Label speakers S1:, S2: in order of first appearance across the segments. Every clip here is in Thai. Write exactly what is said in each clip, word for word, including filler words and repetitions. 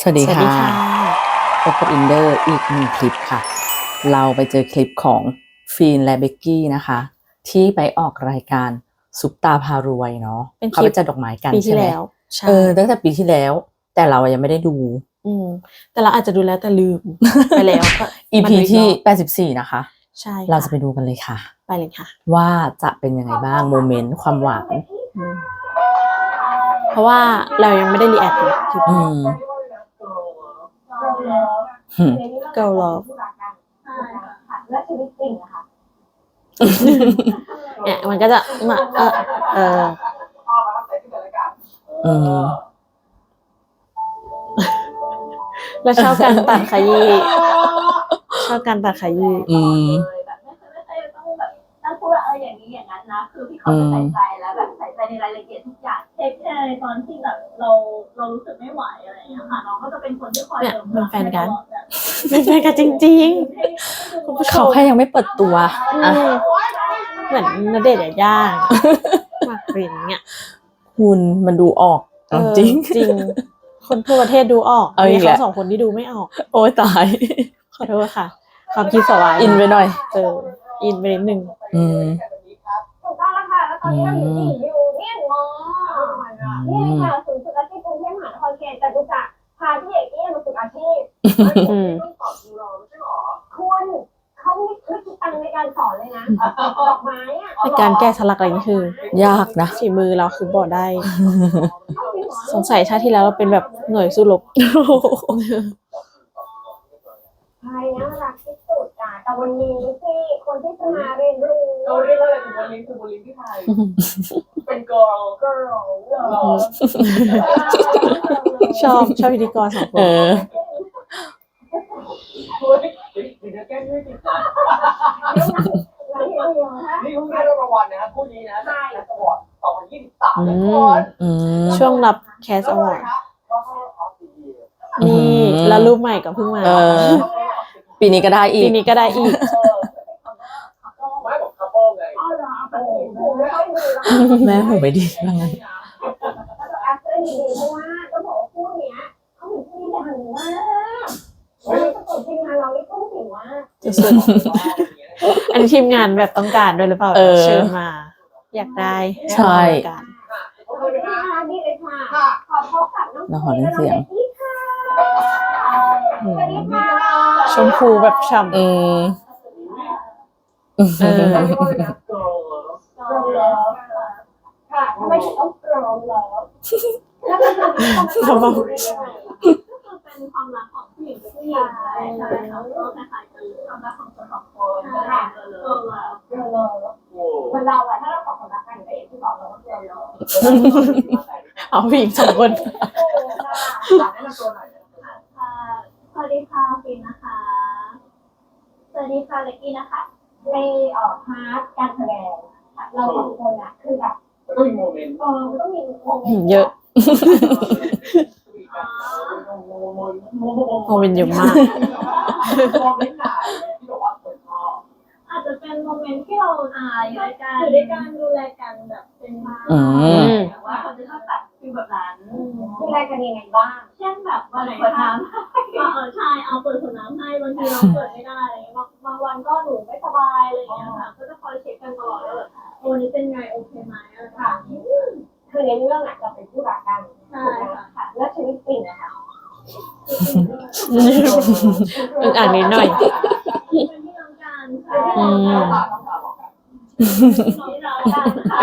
S1: สวัสดี
S2: สวัส
S1: ค่
S2: ดี
S1: ะ
S2: ค่ะ
S1: พบกับอินเดอร์อีกหนึ่งคลิปค่ะ เราไปเจอคลิปของฟีนและเบกกี้นะคะ ที่ไปออกรายการซุปตาพารวยเนาะ
S2: เป็นค
S1: เขา
S2: ลิ
S1: ไป
S2: ป
S1: จัดดอกไม้กัน
S2: ปี
S1: ใช่
S2: ที่
S1: ไหม
S2: แล้ว ใช่
S1: เออ ตั้งแต่ปีที่แล้ว แต่เรายังไม่ได้ดู
S2: อืม แต่เราอาจจะดูแล้วแต่ลืม ไปแล้ว ก็
S1: อี
S2: มา
S1: พี
S2: ดูอีก
S1: ที
S2: ร่อบ
S1: แปดสิบสี่ นะคะ
S2: ใช่
S1: เรา
S2: ค่
S1: จะไปดูกันเลยค่ะ
S2: ไปเลยค่ะ
S1: ว่าจะเป็นยังไงบ้างโมเมนต์ความหวาน
S2: อืม เพราะว่าเรายังไม่ได้ รีแอค เลยคลิป
S1: อื
S2: นี้
S1: ม หืม
S2: Girl Love
S3: และชีวิตจริงอะค่ะ
S2: เนี่ยมันก็จะมา เออ เออ
S1: อืม
S2: แล้วชอบการตัดขยี้ ชอบการตัดขยี้
S1: อืม
S3: แบบไม่เคยไม่เคยต้องแบบต้องพูดว่าเอออย่างนี้อย่างนั้นนะ คือพี่เขาจะใส่ใจแล้วแบบใส่ใจในรายละเอียดทุกอย่างเทคแคร์ในตอนที่แบบเราเรารู้สึกไม่ไหวอะไรอย่างเงี้ยค่ะน้องก็จะเป็นคนที่คอย
S2: เนี่ย
S3: เติม
S2: เป็นแฟนกัน
S3: ตลอดแบบ
S2: เป็นแฟนกันจริง ๆ คุณผู้ช
S1: เขา
S2: ม
S1: แค่ยังไม่เปิดตัว
S2: อื
S1: อ่ะ
S2: ม เหมือนณเดชน์ยาย่า หมากปรินเนี่ย
S1: คุณมันดูออก
S2: เออ
S1: จริง
S2: จริง คนทั่วประเทศดูออก
S1: เอาอี
S2: มี
S1: ก
S2: เขา
S1: แล้ว
S2: สองคนที่ดูไม่ออก
S1: โอ้ยตาย
S2: ขอโทษค่ะ ความคิดสวาย
S1: อินไปหน่อย
S2: เออ อินไปนิดนึง
S1: อืม
S3: ถูกต้องแล้วค่ะแล้วตอนนี้เราอยู่ที่อยู่เนี่ยมอ
S1: อื
S3: นี่
S1: ม
S3: ค่ะศูนย์ฝึกอาชีพกรุงเทพมหานครเขตจตุจักรพาพี่เอกเนี่ยมาฝึกอาชีพ
S2: อืม
S3: ต้องสอนยูโรไม่ใช่หรอคุณเขาไม่ไม่คิดตังค์ในการสอนเลยนะดอกไม้อะ
S2: ในการแก้สลักอะไรนี่คือ
S1: ยากนะ
S2: ฝีมือเราคือบอกได้ สงสัยชาติที่แล้วเราเป็นแบบหน่วยสู้รบ
S3: ใช่น่ารักที่สุดอ่ะแต่วันนี้ที่คนที่จะมาเรียนรู้
S4: เราเรียกว่าอะไรคือโบลิ่งคือโบลิ่งที่ไทย เป็น girl
S3: girl
S2: ชอบชอบพิธีกรสองค
S1: เอน อ
S4: เฮ้ยเดี๋ยวจะแก้ด้วยจริงนะนี่เพิ่งได้รับรางวัลนะครับคู่นี้นะได้แคสอวอร์ดสองพันยี่สิบสาม
S2: อื
S4: ทุก
S2: ม
S4: คน
S1: อืม
S2: ช่วงรับแคสอวอร์ด
S4: ก็เข้าออฟฟิศ
S2: นี่
S1: อืม
S2: แล้วรูปใหม่ก็เพิ่งมา
S1: เออ ปีนี้ก็ได้อี
S2: ปี
S1: ก
S2: นี้ก็ได้อีก
S4: ไม่บอกคัพเปิลไง
S3: อ๋อเหรอแต่หูไม่ค่อยดีแล้ว
S1: แม่หูไม่ดีว่างั้น
S3: แล้วก็แอปเปิลดีเพราะว่าต้องบอกว่าคู่เนี้ยเขาเป็นคู่ที่ดังมากเราประกบทีมงานเรานี่คู่ถึงว่า
S2: สุดๆอันนี้ทีมงานแบบต้องการด้วยหรือเปล่า
S1: เออ
S2: เชิญมา อยากได้
S1: ใช่
S2: ห้มา
S4: โอ
S3: โอ
S4: เค
S3: เค
S4: นะ
S3: ค่ะนี่เลยค่ะ
S4: ค่ะ
S3: ขอพบกับน้อง
S1: น้องขอเล่นเสียง
S3: และน้อเบกกี้ค่ะ
S2: อื
S3: สวัส
S2: ม
S3: ดีค่ะ
S2: ชมพูแบบฉ่ำ
S1: อืม
S2: เออ
S4: เรียกว่าอะไรนะ girl
S3: กรองเลิฟค่ะทำไมถึงต้องกรองเลิฟแล้วก็คือ
S2: ทำไม
S3: เป็นความรักของผู้หญิงกับผู้หญิงใช่ใช่เขาก็คล้ายๆกันความรักของคนสองคนค่ะกรองเลิฟกรองเลิฟ
S4: โอ้
S3: เหมือนเราอะถ้าเราสองคนรักกันก็อย่างที่บอกเราก็กรองเลิฟ
S2: เอาผู้หญิงสองคน
S3: โอ้ค่ะ
S4: แนะนำตัวหน่อย
S3: ค่ะสวัสดีค่ะฟินนะคะ สวัสดีค่ะเล็กกี้นะคะ ในเอ่อพาร์ทการแสดงค่ะเราสองคนอะคือแบบ
S4: ก็มีโมเมนต์
S3: เออมันต้องมีโมเมนต์
S2: เยอะ
S4: โม
S2: โมเมนต์เยอะมาก
S4: โมเมนต์ไหนที่บอกว่าคนชอบ
S3: อาจจะเป็นโมเมนต์ที่เราอ่าอยู่ด้วยกันอยู่ด้วยกันดูแลกันแบบเป็นมา
S1: อืม
S3: แต่ว่าเขาจะชอบแบบฟิลแบบนั้นดูแลกันยังไงบ้างเช่นแบบวันไหนเปิดน้ำเออใช่เอาเปิดขวดน้ำให้บางทีเราเปิดไม่ได้บางบางวันก็หนูไม่สบายอะไรอย่างเงี้ยค่ะก็จะคอยเช็คกันตลอดว่าแบบวันนี้เป็นไงโอเคไหมอะไรค่ะคือในเรื่องอะเราเป็นผู้รักกันใช่ค่ะแล้วชีวิตจริงอะค่ะ
S2: อึกอ่านนิดหน่อย
S3: เป็นพี่น้องกันค่ะ
S2: อืม
S4: ต้องตาต้องตาบอกกัน
S3: พี่น้องกันค่ะ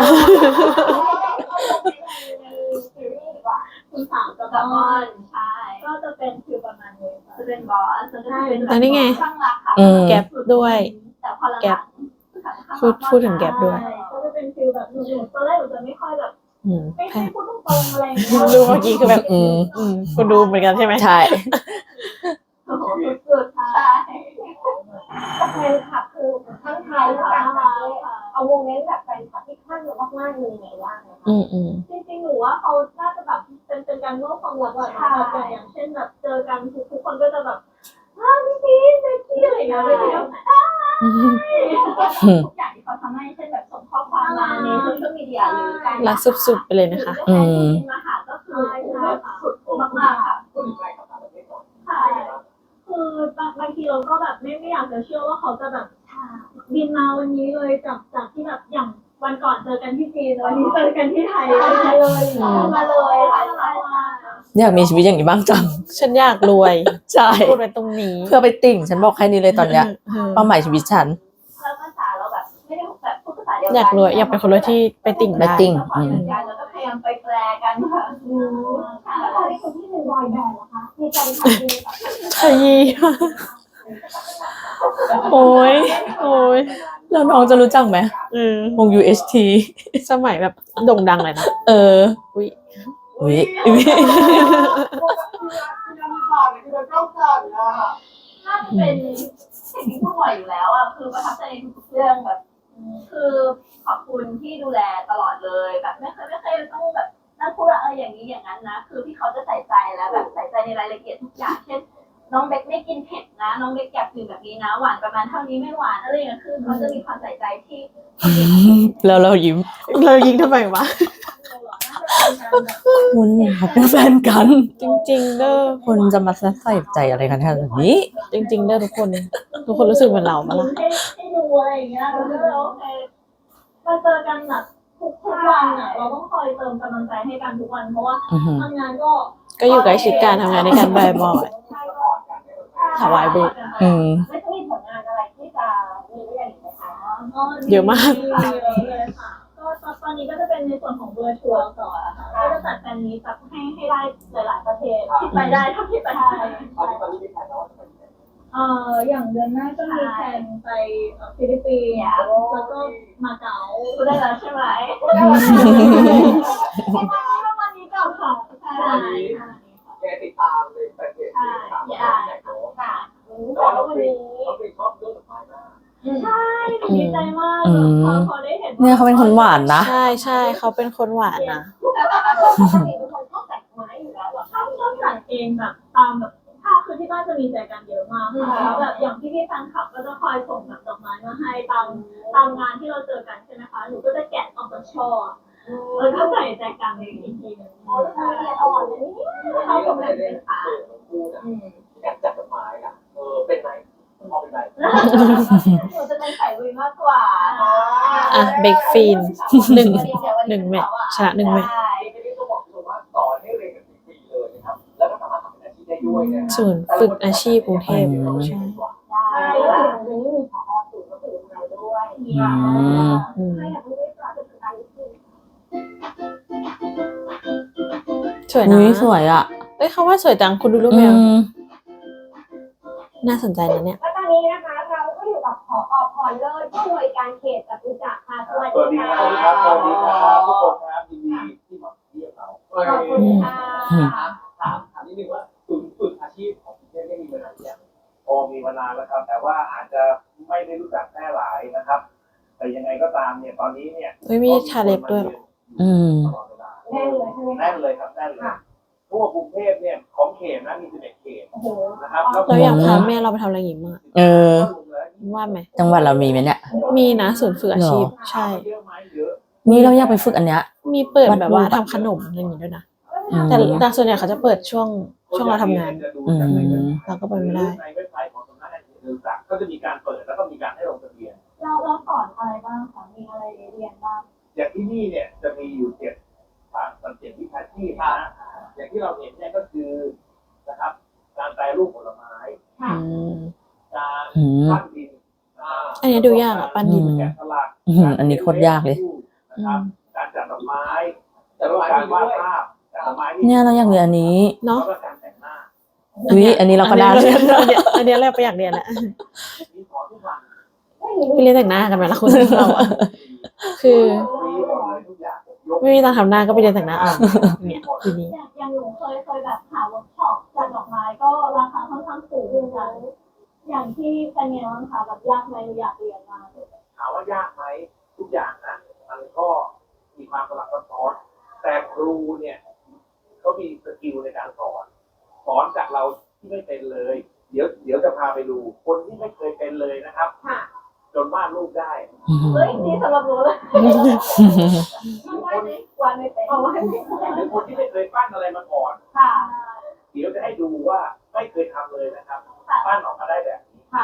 S3: ซีรีส์ดีกว่าคุณสาวกับบอลใช่ก็จะเป็นคือประมาณนี้จะเป็นบอสจะเป็น
S2: อันนี้ไง
S3: ข้างรักค่ะ
S1: อืม
S2: แก๊ปด้วย
S3: แต่พอหลังๆ
S2: แก๊ป พูดพูดถึงแก๊ปด้วย
S3: ใช่ก็จะเป็นฟิลแบบหนูๆตอนแรกหนูจะไม่ค่อยแบบ
S2: อืม
S3: ไม่
S2: แพ้
S3: ไม่พูดตรงๆอะไรอย่างเงี้ย
S2: ดูเมื่อกี้คือแบบ
S1: อืม
S2: อืมคุณดูเหมือนกันใช่ไหม
S1: ใช่
S3: โอ้โหสุดๆใช่แฟนคลับคือทั้งไทยและต่างประเทศเอาโมเมนต์แบบแฟนคลับที่คลั่งเรามากๆเลยไงว่าไงคะ
S2: อืมอืม
S3: จริงๆหนูว่าเขาน่าจะแบบเป็นเป็นการมอบความรักแบบแบบอย่างเช่นแบบเจอกันทุกทุกคนก็จะแบบอ้าวพี่พีชเจ๊กี้อะไรอย่างเงี้ยเลยแล้วอ้าวทุกอย่างที่เขาทำให้เช่นแบบส่งข้อความมาในโซเชียลมีเดียหรือการ
S2: รักสุดๆไปเลยนะคะ
S1: อืม
S3: มาหาก็คือสุดมากๆค่ะ
S4: พูดถึงอะไรกับต่างประเทศ
S3: เราก็แบบไม่ไม่อยากจะเชื่อว่าเขาจะแบบบินมาวันนี้เลยจากจากที่แบบอย่างวันก่อนเจอกันที่จีนวันนี้เจอกันที่ไทยเลยมาเลยค่ะใช่
S1: อยากมีชีวิตอย่างนี้บ้างจัง
S2: ฉันอยากรวย
S1: ใช่
S2: พูดไว้ตรงนี้
S1: เพื่อไปติ่งฉันบอกแค่นี้เลยตอนเนี้ย
S2: เออ
S1: เป้าหมายชีวิตฉัน
S3: แล้วภาษาเราแบบไม่ได้แบบพูดภาษาเดียวกัน
S2: อยากรวยอยากเป็นคนรวยที่ไปติ่ง
S1: ไป
S2: ได้
S1: ติ่ง
S3: อืมแล้วก็พยายามไปแปลกันค่ะอืมแล้วตอนนี้คนที่หนึ่งบอยแบนด์เหรอคะมีใจทำดีแบบ
S2: ขยี้โอ้ยโอ้ย
S1: แล้วน้องจะรู้จักไหม
S2: เออ
S1: วง ยู เอช ที
S2: สมัยแบบโด่งดังเลยนะ
S1: เออ
S2: อุ้ย
S1: อุ้ยอุ๊ย
S3: น่าจะเป็นสิ่งที่พูดบ่อยอยู่แล้วอ่ะคือประทับใจในทุกๆเรื่องแบบคือขอบคุณที่ดูแลตลอดเลยแบบไม่เคยไม่เคยต้องแบบนั่งพูดว่าเอออย่างนี้อย่างนั้นนะคือพี่เขาจะใส่ใจแล้วแบบใส่ใจในรายละเอียดทุกอย่างเช่นน้องเบคไม่กินเผ็ดนะน้องเบคอยากดื่มแบบนี้นะหวานประมาณเท่านี้ไม่หวานอะไรอย่างเงี้ยคือเขาจะมีความใส่ใจที่
S1: แล้วเรายิ้ม
S2: เรายิงทำไมวะ
S1: คุณเขาเป็นแฟนกัน
S2: จริงๆเด้อ
S1: คนจะมาใส่ใจอะไรกันขนาดนี้
S2: จริงๆเด้อทุกคน ทุกคนรู้สึกเหมือนเราปะล่ะ
S3: ให้ให้ดูอะไรอย่างเงี้ยเราก็เลยโอเคมาเจอกันแบบทุกทุกวันอ่ะเราต้องคอยเติมกำลังใจให้กันทุกวันเพราะว่า
S1: อือหือ
S3: ทำงานก็
S2: ก็อยู่ใกล้ชิดกันทำงานในการบ่อย ถวายบุญ
S1: อืม
S3: ไม่ต้องมีผลงานอะไรที่จะมีได้อย่างนี้นะคะ
S2: เยอะมาก
S3: เยอะเลยค่ะก็ตอนนี้ก็จะเป็นในส่วนของเวอร์ชวลต่อค่ะก็จะจัดแฟนมีตแบบให้ให้ได้หลาย ๆ ประเทศที่ไปได้เท่าที่ไปได้
S4: ตอนนี้ตอนนี้มีแผนแล้วว่าจะไปที่ไหน
S3: เอ่ออย่างเดือนหน้าก็มีแผนไปเอ่อฟิลิปปินส์แล้วก็มาเก๊าพูดได้แล้วใช่ไหมพูดได้แล้วประมาณนี้ก่อนค่ะใช่
S4: แกติดตามในแฟนเพจที่ถามว่าไหนเนาะ
S3: ค่ะ
S4: แต่ว่าเราเป็นเราเป็นชอบเรื่องสุดท้ายมาก
S3: ใช่ดีใจมาก
S1: อืม
S3: พอพอได้เห็น
S1: เนี่ยเขาเป็นคนหวานนะ
S2: ใช่ใช่เขาเป็นคนหวานนะ
S3: เป็นคนชอบแต่งไม้อยู่แล้วแบบชอบชอบแต่งเองแบบตามแบบถ้าคือที่บ้านจะมีใจกันเยอะมากค่ะแล้วแบบอย่างพี่พี่ๆแฟนคลับก็จะคอยส่งแบบดอกไม้มาให้ตามตามงานที่เราเจอกันใช่ไหมคะหนูก็จะแกะออกจากช่อแล้วก็ใส่ใจกันในอีกทีหนึงอ๋อแล้วละเอียดอ่อนเลยนี่เขาสมเด็จเป็นฟ้า
S4: พูดนะอยากจัดดอกไม้อ่ะเออเป็นไหนพอเป็นไหน
S3: หนูจะเป็นสายลุยมากกว่า
S2: อ่ะเบคฟีนหนึ่งหนึ่งแมตช์ชนะหนึ่งแมตช์
S4: ทีนี้ก็บอกเลยว่าสอนให้เรียนกันฟรีๆเลยนะครับแล้วก็สามารถทำเป็นอาชีพได้ด้วยนะ
S2: ศูนย์ฝึกอาชีพกรุงเทพใช่
S3: ใช่แล้วตรงนี้มีผอสูงก็คือเราด้วย
S1: อืม
S2: อืม
S3: ให้อยากรู้ว่าจะเป็นการที่
S2: สวยนะ
S1: อุ้ยสวยอ่ะ
S2: เอ้ยเขาว่าสวยจังคุณดูรูป
S1: อื
S2: แมว
S1: ม
S2: น่าสนใจนะเนี่ย
S3: และตอนนี้นะคะเราก็อยู่กับผอพรเลิศผู้อำนวยการเขตจตุจักรค่ะสวัส
S4: สวัส
S3: ดี
S4: ดี
S3: ค่ะ
S4: ครับสวัสดีครับทุกคนครับยินดีที่มาเยี่ยมเรา
S3: ขอบคุณค่ะ
S4: ถามถามนิดนึงว่าศูนย์ฝึกอาชีพของคุณเนี่ยได้มีมานานหรือยังพอมีมานานแล้วครับ แต่ว่าอาจจะไม่ได้รู้จักแพร่หลายนะครับ แต่ยังไงก็ตามเนี่ยตอนนี้เนี่ย
S2: เฮ้ยมีชาเล็บด้วยเหรอ
S1: อืม
S4: ตลอดเวลา
S3: แน่เลยใช่ไหม
S4: แน่นเลยครับแน่นเลยทั่วกรุงเทพเนี่ยของเขตนะมีสิบเอ็ดเขต
S3: โอ้โห
S4: นะครับแล้ว
S2: เราอยากพาแม่เราไปทำอะไรอย่างงี้มาก
S1: เออ
S2: ว่าไหม
S1: จังหวัดเรามีไหมเนี่ย
S2: มีนะศูนย์ฝึกอาชีพ ใช่
S4: เยอะไหมเยอะ
S1: นี่เราอยากไปฝึกอันเนี้ย
S2: มีเปิดแบบว่าทำขนมอะไรอย่างงี้ด้วยนะ
S1: อืม
S2: แต่แต่ส่วนใหญ่เขาจะเปิดช่วงช่วงเราทำงาน
S1: อืม
S2: เราก็ไปไม่ได้
S4: ในเว็บไซต์ของสำนักงานเขตจตุจักรก็จะมีการเปิดแล้วก็มีการให้ลงทะเบียน
S3: เราเราสอนอะไรบ้างคะมีอะไรเรียนบ้าง
S4: อย่างที่นี่เนี่ยจะมีอยู่เจ็ดฐานมันเจ็ดวิชาชีพนะอย่างที่เราเห็นเนี่ยก็คือนะครับการแปรรูปผลไม้
S2: อืม
S4: การ
S1: อืม
S4: ปั้นดิน
S2: อันนี้ดูยากอะปั้นดิน
S4: แกะสลัก
S1: อืมอันนี้โคตรยากเลย
S4: นะครับการจัดดอกไม้การวาดภาพจัดดอกไม้
S1: เนี่ยเราอยากเรียนอันนี้
S2: เนาะ
S4: แล้วก็การแต่งหน้า
S1: อุ้ยอันนี้เราก็ได้
S2: อันนี้เราเรียนอันนี้เราไปอยากเรียนแหละ
S4: มีสอนทุกวัน
S2: ไปเรียนแต่งหน้ากันไหมล่ะคุณเราอะคือ
S4: ฟรีหมดเลยทุกอย่างยก
S2: ไม่มีตังค์ทำหน้าก็ไปเรียนแต่งหน้าเอาเนี่ยทีนี้
S3: อย่างอย่างหนูเคยเคยแบบหาเวิร์กช็อปจัดดอกไม้ก็ราคาค่อนข้างสูงเหมือนกันอย่างที่เป็นไงบ้างคะแบบยากไหมหนูอยากเรียนมากเลย
S4: ถามว่ายากไหมทุกอย่างนะมันก็มีความสลับซับซ้อนแต่ครูเนี่ยเขามีสกิลในการสอนสอนจากเราที่ไม่เป็นเลย เดี๋ยวเดี๋ยวจะพาไปดูคนที่ไม่เคยเป็นเลยนะครับ
S3: ค่ะ
S4: จนวาดรูปได้
S3: เฮ้ยนี่สำหรับหนูเลย
S4: หรือคน
S3: วันไม่วันไม่เป็นเอาวันไม่เป็น
S4: หรือคนที่ไม่เคยปั้นอะไรมาก่อน
S3: ค่ะ
S4: เดี๋ยวจะให้ดูว่าไม่เคยทำเลยนะครับปั้นออกมาได้แบบนี้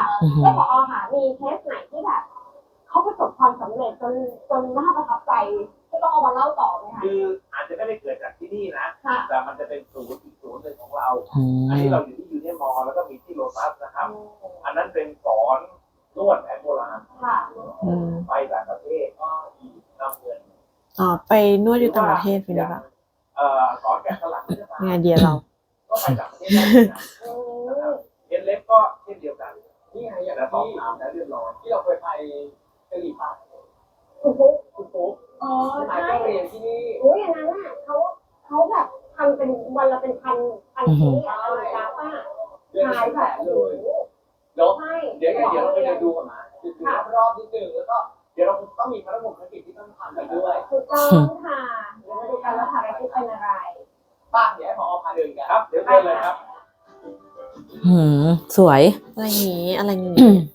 S1: อือหือ
S3: ก็พอค่ะมีเคสไหนที่แบบเขาประสบความสำเร็จจนจนน่าประทับใจที่ต้องเอามาเล่าต่อไหมคะ
S4: คืออาจจะไม่ได้เกิดจากที่นี่นะ
S3: ค่ะ
S4: แต่มันจะเป็นศูนย์อีกศูนย์หนึ่งของเรา
S1: อื
S4: อัน
S1: ม
S4: นี้เราอยู่ที่ยูเนียนมอลล์แล้วก็มีที่โลตัสนะครับ อันนั้นเป็นสอนนวดแผนโบราณ
S3: ค่ะ
S2: อืม
S4: ไปต่างประเทศก็นำเงิน
S2: อ๋อไปนวดอยู่ต่างประเทศไปหรือเปล่า
S4: เอ่อสอนแกะสลักเนื้อตา
S2: ไงเดียเรา
S4: ก็ไปต่างประเทศได้นะนะครับเรียนเล็บก็เช่นเดียวกันนี่ไงอย่างสอบถามแล้วเรียบร้อยที่เราเคยไปกะหรี่ปั๊บ
S3: คุณปุ๊ก
S4: คุณปุ๊ก
S3: อ๋อ
S4: หมาย
S3: ใช่
S4: ก็เรียนที่นี่
S3: โอ้ยอันนั้นน่ะเขาเขาแบบทำเป็นวันละเป็นพันพันชิ้นอะอะไรนะป้า
S4: เดือน
S3: ขาย
S4: ละ
S3: แบ
S4: แส
S3: บ
S4: น
S3: โอ้
S4: เล
S3: โห
S4: ยเดี๋ยว
S3: ใช่
S4: เดี๋ยวไงเดี๋ยวเราไปเดินดูกันนะดูรอบนิดนึงแล้วก็เดี๋ยวเราต้องมีภารกิจที่ต้องทำกันด้วย
S3: ถูกต้องค่ะเดี๋ยวมาดูกันว่าภารกิจเป็นอะไร
S4: ป้าเดี๋ยวให้พอพาเดินกันครับเดี๋ยวเดินเลยครับ
S1: หืมสวย
S2: อะไรอย่างงี้อะไรอย่างงี้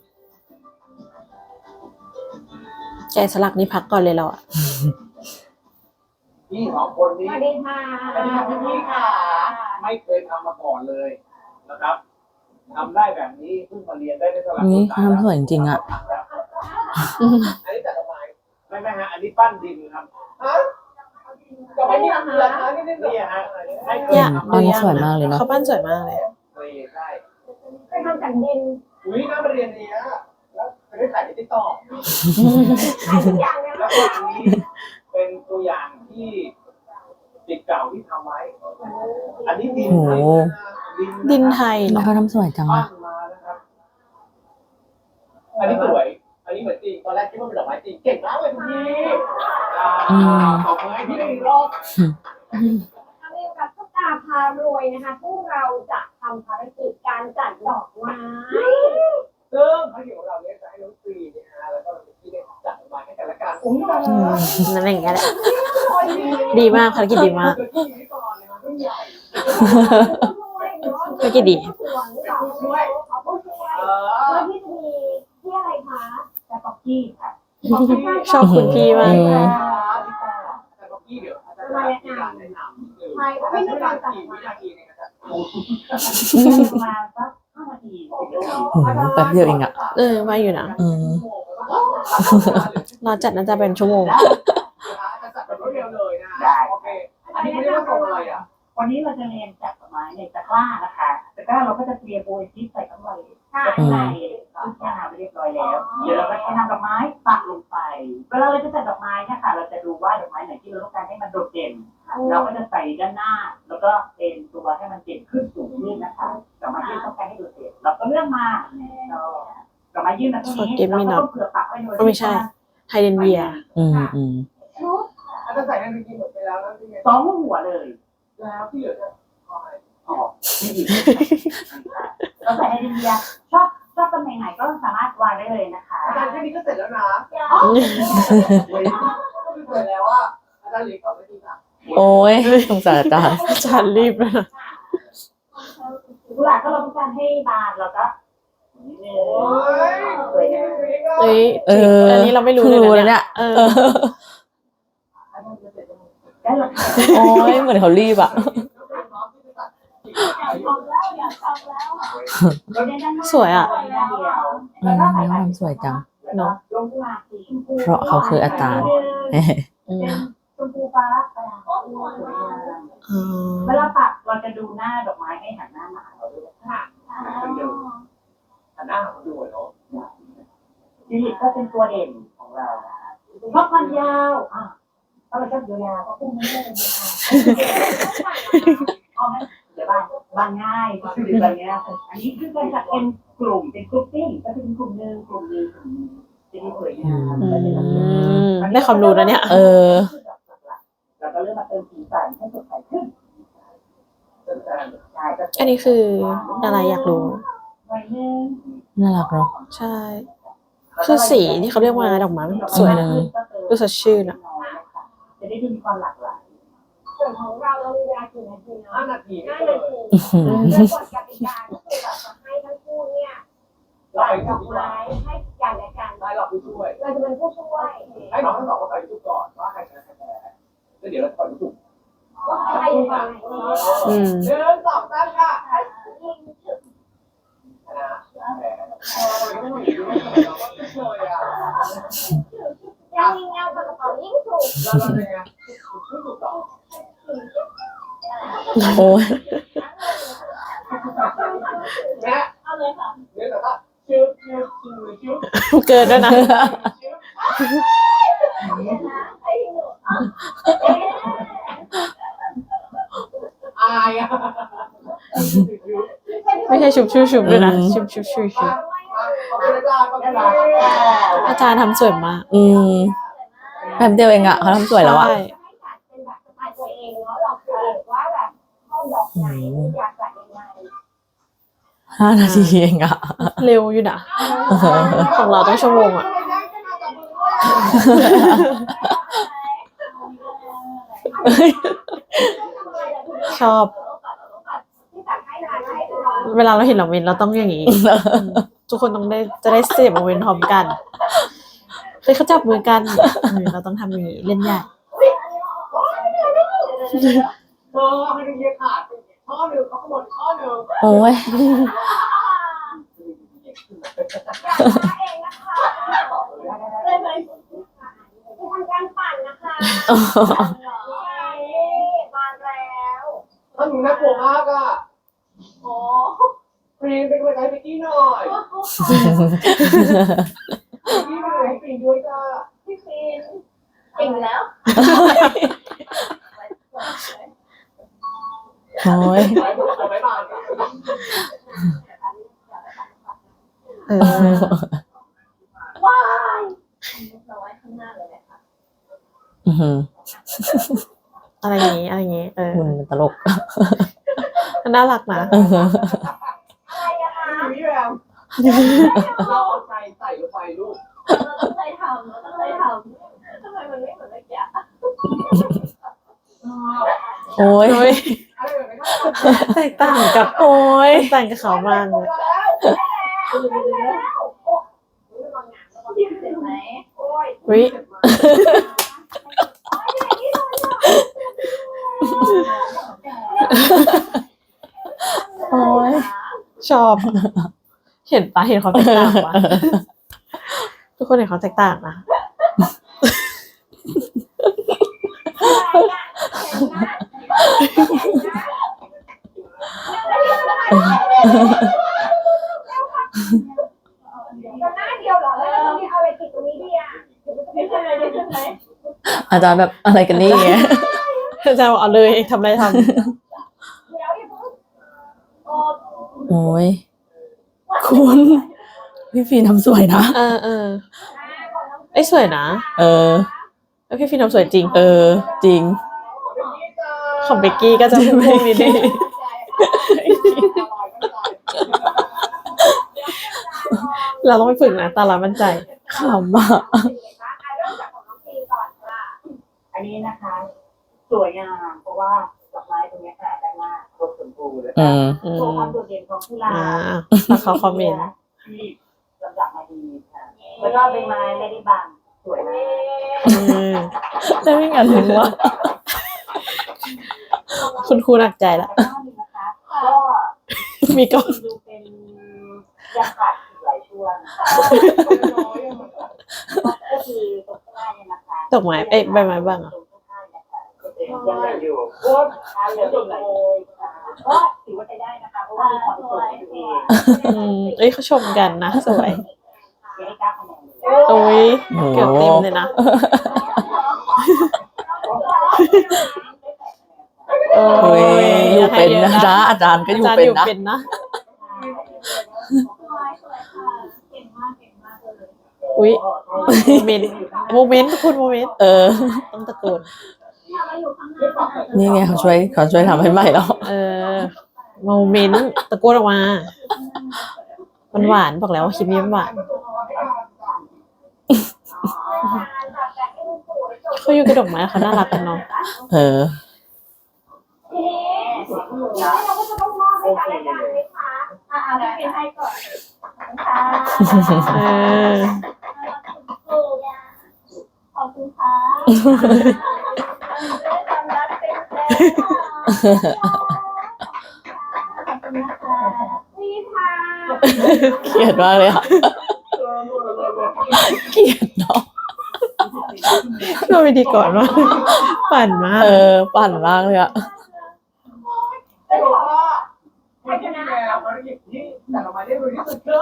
S2: แกะสลักนี่พักก่อนเลยเราอะ
S4: พี่สองคน
S3: ส
S4: นี้
S3: วัสดีค่ะ
S4: สวัสดีครับพี่ๆค่ะ ไม่เคยทำมาก่อนเลยนะครับทำได้แบบนี้เพิ่งมาเรียนได้ได้เท่าไหร่
S1: นี่เขาทำสวยจริงๆอะ
S4: อันนี้จัดดอกไม้ไม่ไม่ฮะอันนี้ปั้นดินครับฮะดอกไม้นี่เหรอคะนี่นี่ฮะให้เคย
S2: เนี่ย
S4: ทำ
S1: อันนี้สวยมากเลยเนาะ
S2: เขาปั้นสวยมากเลย
S4: เคยใช่
S3: เคยทำจากดิน
S4: อุ้ยน่ามาเรียนเนี้ยแล้วไปได้ถ่ายในติ๊กต็อก
S3: ขายทุกอย่างเลย
S4: แล้วก็อันนี้เป็นตัวอย่างที่ติดเก่าที่ทำไว้ อันนี้ดิน
S1: โอ้โห
S4: ดิน
S2: ดินไทย
S1: แล้ว
S2: นะ
S1: เขาทำสวยจัง
S4: ปั้
S1: อะ
S4: นมานะครับ อันนี้สวย อันนี้เหมือนจริง ตอนแรกคิดว่าเป็นดอกไม้จริง เก่งมากเลยคุณพี่อ่าขอบคุณให้พี่ได้อีกรอบ
S3: ทำเองกับตุ๊กตาพารวยนะคะซึ่งเราจะทำภารกิจการจัดดอกไม้
S4: ซึ่งภารกิจของเราเนี่ยจะให้น้องฟรีนะฮะแล้วก็พี่ได้จัดมาให้กันละกันอุ้ยตาย
S2: อื
S4: แล้ว
S2: มนั่นอย่างเงี้ยแหละ ดีมากภารกิจดีมาก
S4: เกิดที่นี้ก่อนนะครับรุ่นใหญ่
S2: ภารกิจดี
S3: เป็นผู้ช่วยเอาผู้ช่วย
S4: เอ
S3: เพื่
S4: อ
S3: อที่จะมีที่อะไรคะแต่ป๊อกกี้ค่ะ
S2: ชอบคุณพี่มาก
S1: อืม
S4: แต่ก็พี่เดี๋ยวอาจจะมีการแนะนำนิดนึง
S3: ใช่ค่ะไม่มีการตัด
S4: กี่วิ
S3: มา
S4: นาทีในการจัด
S3: ประมาณสักห้านาที
S1: โอ้โหแป๊บเดียวเองอะ
S2: เออว่าอยู่นะ
S1: อืม
S2: เราจัดน่าจะเป็นชั่วโมง
S4: จะจัดแบบรวดเร็วเลยนะโอเคอันนี้ไม่ได้ว่าส่งอะไรอ่ะ
S5: วันนี้เราจะเรียนจัดดอกไม้ในตะกร้านะคะตะกร้าเราก็จะเตรียมโบยทิปใส่ข้างใน
S3: ค่ะ
S5: ข้างในซึ่งแช่น้ำไปเรียบร้อยแล้ว เดี๋ยวเราก็ใช้น้ำดอกไม้ปักลงไป เวลาเราจะจัดดอกไม้เนี่ยค่ะ เราจะดูว่าดอกไม้ไหนที่เราต้องการให้มันโดดเด่น เราก็จะใส่ด้านหน้า แล้วก็เป็นตัวให้มันเด่นขึ้นสูงขึ้นนะคะดอกไม้ที่ต้องการให้โดดเด่นเราก็เลือกมาเราดอกไม้ยื่นมาตรงนี้
S2: Forget me
S5: เรา
S2: not
S5: ก็ต้องเผื่อปักไว้โดย
S2: ไม่ใช่ ไทยเดนเวีย
S1: อืมอืม
S3: ชุด
S4: อันนั้นใส่ในเมื่อกี้หมดไปแล้วแล้วที่ไง
S5: สองหัวเลย
S4: แล้วที่เหลือจะคอย
S5: ออกไม่ดีเราใส่ไฮเดรนเยียชอบชอบตำแหน่งไหนก็สามารถวางได้เลยนะคะ
S4: อาจารย์แค่นี้ก็เสร็จแล้วนะ
S3: อ๋อ
S4: เว้ยก็คือเสร็จแล้วว่าอาจารย์เหลียก่อนไม่ดีนะ
S1: โอ้ยสงสารอาจารย์
S2: อาจารย์รีบแล้วนะ
S5: กุหลาบก็เราต้องการให้บานแล้วก็นิดนึง
S4: โอ้ย
S5: สวยงาม
S2: เอ้ย
S1: เออ
S2: อันนี้เราไม่รู้
S1: เพิ่งรู้
S2: เล
S1: เลย ย
S2: นะ
S1: เนี่ย
S2: เออ
S1: เออ
S5: ได้หรอคะ
S1: โอ้ยเหมือนเขารีบอะ
S3: ทำแล้วอยากทำแล้ว
S2: สวยอะ
S1: อืมเขาทำสวยจัง
S2: เนาะ
S5: ลงกุหลาบสีชมพู
S1: เพราะเขาคืออาจารย์
S2: อื
S5: เป็น
S2: ม
S5: ชมพูฟ้าสวยงาม
S2: อ๋อ
S5: เวลาปักเราจะดูหน้าดอกไม้ให้หันหน้ามาเราด้วยค่ะ
S4: อันหน้าของดูเนาะ
S5: จิลิตก็เป็นตัวเด่นของเราชอบความยาวอ่ะถ้าเราชอบยาวๆก็พุ่งไม่ได้เลยค่ะเอาไหมเดี๋ยวบานบานง่ายก็คือแบบนี้อันนี้คือการจัดเป็นกลุ่มเป็นกลุ่มติ้งก็คือเป็นกลุ่มหนึ่งกลุ่มหนึ่งกลุ่มหนึ่งจะได้สวยงาม
S2: อืมได้ความรู้นะเนี่ย
S1: เออ
S5: เราก็เริ่มมาเติมสีสันให้สดใสขึ้นใช่ก็
S2: อันนี้คืออะไรอยากรู้
S5: หน่อยนึง
S1: น่ารักเนาะ
S2: ใช่ คือสีที่เขาเรียกว่าดอกไม้มันสวยนะ ดูสดชื่นอะ
S5: จะได้ดูมีความหลากหลาย
S3: ส่วนของเราเรามีเวลากี่นาทีเนาะ
S4: ห้านาที
S3: ห้า
S4: เล
S3: นาย ที
S1: อื้อหือ
S3: โดยกฎกติกาก็คือแบบจะให้ทั้งคู่เนี่ย
S4: เรา
S3: ใส่
S4: ไป
S3: ด
S4: ทุ
S3: อก ก
S4: ที่ว่า
S3: ไม้ให้กันและกัน
S4: ได้เราผู้ช่วย
S3: เราจะเป็นผู้ช่วย
S4: ให้น้องทั้งสองมาใส่ทุกก่อนว่าใครชนะใครแพ้แล้วเดี๋ยวเราจะปล่อยลูก
S3: ว่าใครยังไง
S2: อืม
S4: หนึ่งสองสามค่ะ
S3: ยิง
S4: ชนะแพ้
S3: ยังยิงเงากับกระเป๋ายิ่งถูก
S1: โอ้ย
S4: แม่
S3: เอาเลยค่ะ
S4: เนี่ยแต่ว่าชื่อชื่อชื่อชื่อ
S2: เกินด้วยนะ
S3: ไอ้หนู
S4: อายอ่ะ
S2: ไม่ใช่ชุบชูชุบด้วยนะชุบชุบชูชุบ
S4: ขอบคุณอาจารย์ขอบคุณอาจารย์
S2: อาจารย์ทำสวยมาก
S1: อืมแป๊บเดียวเองอะเขาทำสวยแล้วอะ
S2: ใช่
S3: เป็นแบบสไตล์ตัวเองเนาะเราคือเองว่าแบบชอบดอกไหนอยากจัดยังไง
S1: ห้านาทีเองอะ
S2: เร็วอยู่นะของเราต้องชั่วโมงอ่ะ ชอบ เวลาเราเห็นเราเวนเราต้องอย่างนี้ ทุกคนต้องได้จะได้เสพโมเมนต์พร้อมกันเฮ้ยเขาจับมือกันเออเราต้องทำอย่างนี้เล่นใหญ่
S4: เออให้ดูเยอะขาดข้อหนึ่งเขาขโมยข้อหนึ่ง
S1: โอ้ย
S3: เองนะคะเลยไหมจะทำการปั่นนะคะมาแล้ว
S4: ถ้าหนูน่ากลัวมากอ่ะ
S3: โอ้
S4: ฟรีนเป็นกำลังใจให้พี่หน่อยพี่หน่อยให้ฟรีด้วยจ้า
S3: พี่ฟินเก่งแล้ว
S1: โอ้ย
S4: ไปบอกไปบ้าน
S2: เออ
S3: ว้ายเราไว้ข้างหน้าเลยนะคะ
S1: อือหือ
S2: อะไรอย่างนี้อะไรอย่างนี้เออ
S1: มันเป็นตลก
S2: มันน่ารักนะ
S1: อือหือ
S3: อะไรอะคะ
S4: พี่แววเราเอาใจใส่ลงไปลูก
S3: เราต้องใจทำเราต้องใจทำทำไมมันไม่เหมือนเมื่อกี้
S1: โอ้ย
S2: โอ้ย
S4: อะไรแบบนี้
S2: แตกต่างกับโอ้ยแตกต่างกับเขามากเลย
S3: เห็นไหมโอ้ย
S2: วิ
S1: โอ้ย
S2: ชอบ เห็นปะเห็นความแตกต่างปะทุกคนเห็นความแตกต่างนะ
S3: หน้าเดียวเหรอแล้วเรามีอะไรติดตรงนี้ดีอ่ะไม่ใช่เลยใช่ไหม
S1: อาจารย์แบบอะไรกันนี่ไง
S2: จะเอาเลยทำอะไรท
S3: เดี๋ยวอย่าเพิ่งโอ้
S1: โอ้ยคุณพี่ฟีนทำสวยนะ
S2: ำเออเออไอ้ยสวยนะ
S1: เออ
S2: แล้วพี่ฟินทำสวยจริง
S1: เออ จริง
S2: ของเบกกี้ก็จะพุ่งๆนิดนึงเราต้องไปฝึกนะตาเรามั่นใจ
S1: ขำอ่ะ
S3: เริ่มจากของน้องพีก่อนค่ะ
S5: อันนี้นะคะ สวยงามเพราะว่าดอกไม้ตรงนี้ค่ะด้านหน้าครบสมบูรณ์เลย
S1: อืม
S2: อื
S5: โชว์ความ
S2: ม
S5: โดดเด่นของกุหลา
S2: อ่า
S5: บ
S2: แล้วเขาคอมเมนต์
S5: ที่ลำดับมาดีค่ะแล้วก็ใบไม้ไม่ได้บังสวยมาก
S2: อืม
S1: ได้ไม่งั้นถึงว่า
S2: คุณครูหนักใจละ
S5: แล้วก็มีนะคะก็
S2: มีกล้อง
S5: ดูเป็นยังขาดอีกหลายช่วงก็คือตรงข้างหน้าเนี่ยนะคะ
S2: ตกไม้เอ้ยใบไม้บ้างอ่ะ
S5: ตรงข้างหน้าเนี่ยค่ะก็เป็นยังไงอยู่โอ้ทานเหลืออีกหลายก็ถือว่าใช้ได้นะคะเพราะว่ามีความสวยตัวเอง
S2: อืมเอ้ยเขาชมกันนะสวย
S5: ยังได้เก้าคะแนนเลย
S2: โอ้ย
S1: โอ้
S2: เกือบเต็มเลยนะโอ้
S1: โอ้ยอยู่เป็น
S2: ให้ย
S1: นะ
S2: อะ
S1: จ๊ะอาจารย์ก็อยู่
S2: อาจารย์
S1: เป็น
S2: อยู่
S1: นะ
S2: เป็นนะ
S3: สวยสวยค่ะเก่งมากเก่งมากเลย
S2: อุ้ยโมเมนต์โมเมนต์ทุกคนโมเมนต์
S1: เออ
S2: ต้องตะโกน
S3: ถ้าเราอยู่ข้างหน้า
S1: นี่ไงเขาช่วยเขาช่วยทำให้ใหม่แล้ว
S2: เออโมเมนต์ตะโกนออกมา มันหวานบอกแล้วว่าคลิปนี้มันหวานเขาอยู่กระดกไม้เขาน่ารักกันเนาะ
S1: เออ
S3: ทีนี้เราก็จะต้องมอบให้กันและกันไหมคะอ่าเอาพี่ฟินให้ก่อนค่ะ
S2: เออ
S3: ขอบคุณค่ะความรักเป็นแสนขอบคุณนะคะนี่ค่ะ
S1: เครียดมากเลยอ่ะเกลียดเนาะ
S2: ก็วิธีก่อนว่าปั่นมาก
S1: เออ ปั่นมากเลยอะ
S4: ไม่บอกว่าคนที่ดูแลภารกิจที่จัดออกมาได้ดีที่สุดคือ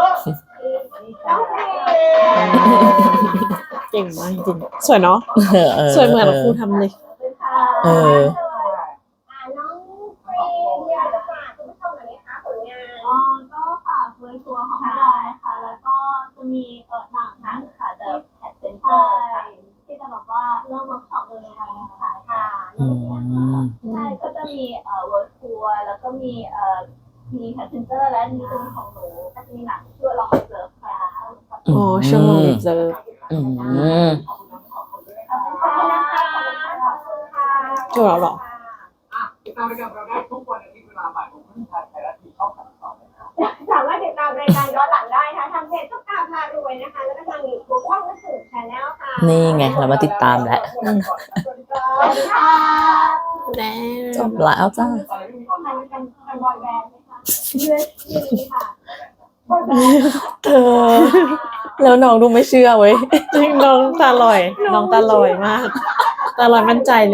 S2: เก่งมากจริงๆสวยเนาะ
S1: เออเออ
S2: สวยเหมือนครูทำเลย
S1: เออ
S3: อ่าน้องฟรีอยากจะฝากคุณผู้ชมหน่อยไหมคะผลงานอ๋อก็ฝากเวอร์ทัวร์ของเราค่ะ แล้วก็จะมีเอ่อหนังนั้นค่ะ The Pet Center ค่ะที่จะบอกว่าเริ่มเวิร์กช็อปเลยค่ะค่ะค่ะ
S1: อืม
S3: ใช่ก็จะมีเอ่อเวิร์ทัวร์แล้วก็มีเอ่อมี Pet Center และมีตัวของหนูก็จะมีหนังชื่อลองเซิร์ฟค่ะ
S2: อ๋อชั่วโมงเจอ
S1: อืม
S3: ขอบคุณนะคะขอบคุณค่ะ
S2: จบแล้วเหรอ
S4: ติดตามรายการเราได้ทุกวันอาทิตย์เวลาบ่ายโมงครึ่งทางไทยรัฐทีวีช่องสามสิบสองนะครับ
S3: สามารถติดตามรายการย้อนหลังได้ค่ะทางเพจตุ๊กตาพารวยนะคะ แล้วก็ทางยูทูบช่องนักสืบชาแนลค่ะ
S1: นี่ไงเรามาติดตามแล้ว
S4: สวัสดีครั
S3: สวัส
S4: บ
S3: ดีค่ะ
S2: แน่
S1: จบแล้วจ้า
S3: มันเป็นเป็นบอยแบนด์ไหมคะเลือดดีค่ะบอยแบนด์
S1: เธอ แล้วน้องดูไม่เชื่อเว้ย
S2: จริงน้องตาลอย น้องตาลอยมาก ตาลอยมั่นใจเลย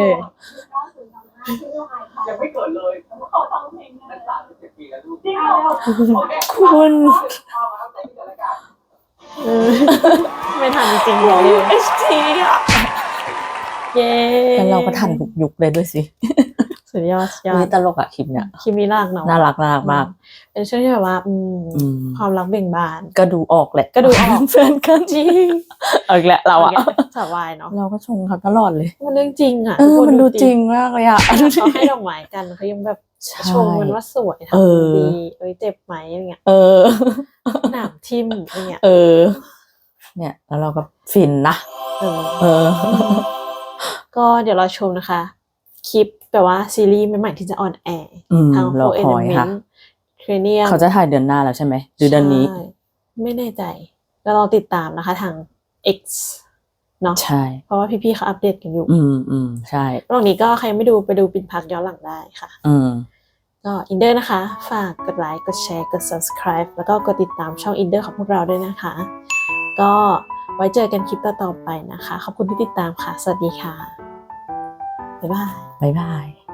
S4: ยังไม่เกิดเลย
S3: ขอฟังเพลงหน่อ
S4: นั่
S3: ย
S4: นสามสิบเจ็ดปีแล้วลูก
S3: จริงเหรอ
S4: โอเค
S1: คุณ
S4: เอามาตั้งแต่ที่รายการ
S2: เออไม่ทันจริงๆเลย
S1: เอชทีอ่ะ
S2: เย้
S1: แล้วเราก็ทันทุกยุคเลยด้วยสิ
S2: สุดยอดสุดยอ
S1: นี่
S2: ด
S1: ตลกอะคลิปเนี่ย
S2: คลิปนี้น่ารักเนาะ
S1: น่ารักน่ารักมาก
S2: เป็นช่วงที่แบบว่า อืม
S1: อืม
S2: ความรักเบ่งบาน
S1: ก็ดูออกแหละ
S2: ก็ดูออก
S1: เพื่อนกันจริงเอาอีกแล้วเราอะ
S2: สาววายเนาะ
S1: เราก็ชงเขาตลอดเลย
S2: มันเรื่องจริงอ่ะ
S1: เออ
S2: ทุกค
S1: มันดูจริงมากเลยอะ
S2: เขาให้ดอกไม้กันเขายังแบบ
S1: ใช่
S2: ชมมันว่าสวย
S1: เออ
S2: ทำดีเอ้ยเจ็บไหมอะไรเงี้ย
S1: เออ
S2: หนามทิ่มอะไรเงี้ย
S1: เออ เนี่ย แล้วเราก็ฟินนะ
S2: เออ
S1: เออ
S2: ก็เดี๋ยวเราชมนะคะ คลิปแบบว่าซีรีส์ใหม่ๆที่จะออนแอร์
S1: อืม
S2: ทาง
S1: รอ
S2: Four
S1: คอยค่ะ
S2: Element Cranium
S1: เขาจะถ่ายเดือนหน้าแล้วใช่ไหมหรือเดือนนี้
S2: ใช่ไม่แน่ใจแล้วเราติดตามนะคะทาง X เนาะ
S1: ใช่
S2: เพราะว่าพี่ๆเขาอัปเดตกันอยู่
S1: อืมอืมใช่
S2: ระหว่างนี้ก็ใครไม่ดูไปดูปินพักย้อนหลังได้ค่ะ
S1: อืม
S2: ก็อินเดอร์นะคะ ฝากกดไลค์ กดแชร์ กด subscribe แล้วก็กดติดตามช่องอินเดอร์ของพวกเราด้วยนะคะ ก็ไว้เจอกันคลิปต่อๆไปนะคะ ขอบคุณที่ติดตามค่ะ สวัสดีค่ะ บ๊ายบาย
S1: บ๊ายบาย